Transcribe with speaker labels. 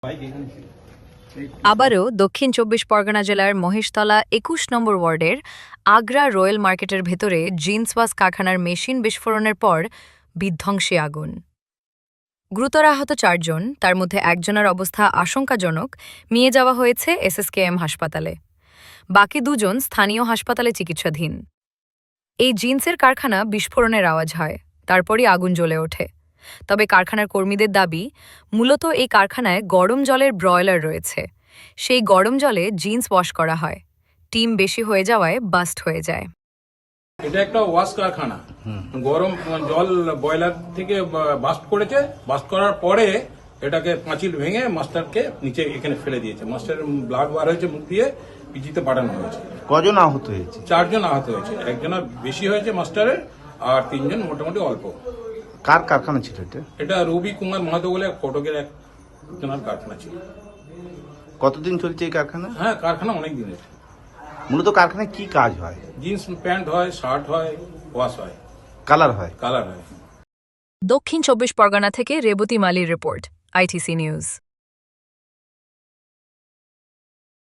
Speaker 1: আবারও দক্ষিণ ২৪ পরগনা জেলার মহেশতলা ২১ নম্বর ওয়ার্ডের আগ্রা রয়্যাল মার্কেটের ভেতরে জিন্স ওয়াশ কারখানার মেশিন বিস্ফোরণের পর বিধ্বংসী আগুন। গুরুতর আহত ৪ জন, তার মধ্যে একজনের অবস্থা আশঙ্কাজনক, নিয়ে যাওয়া হয়েছে এসএসকেএম হাসপাতালে। বাকি ২ জন স্থানীয় হাসপাতালে চিকিৎসাধীন। এই জিন্সের কারখানা বিস্ফোরণের আওয়াজ হয়, তারপরই আগুন জ্বলে ওঠে। তবে কারখানার কর্মীদের দাবি, মূলত এই কারখানায় গরম জলের ব্রয়লার রয়েছে। সেই গরম জলে জিন্স ওয়াশ করা হয়। টিম বেশি হয়ে যাওয়ায় বাস্ট হয়ে যায়।
Speaker 2: এটা একটা ওয়াশ কারখানা। গরম জল বয়লার থেকে বাস্ট করেছে। বাস্ট করার পরে এটাকে পাঁচিল ভেঙে মাস্টারকে নিচে এখানে ফেলে দিয়েছে। মাস্টারের ব্লাড বার হয়েছে, মুখ দিয়ে পিজিতে পাঠানো হয়েছে।
Speaker 3: কজন আহত হয়েছে?
Speaker 2: ৪ জন আহত হয়েছে। একজনের বেশি হয়েছে মাস্টারের, আর ৩ জন মোটামুটি অল্প।
Speaker 3: কার কারখানা ছিল এটা?
Speaker 2: এটা রবি কুমার মাহাতো বলে ফটকের একজনের কারখানা ছিল।
Speaker 3: কতদিন চলছে এই কারখানা?
Speaker 2: হ্যাঁ, কারখানা অনেক দিনের।
Speaker 3: মূলত কারখানায় কি কাজ হয়?
Speaker 2: জিন্স প্যান্ট হয়, শার্ট হয়, ওয়াশ হয়,
Speaker 3: কালার হয়।
Speaker 2: কালার হয়।
Speaker 1: দক্ষিণ ২৪ পরগনা থেকে রেবতী মালির রিপোর্ট, আইটিসি নিউজ।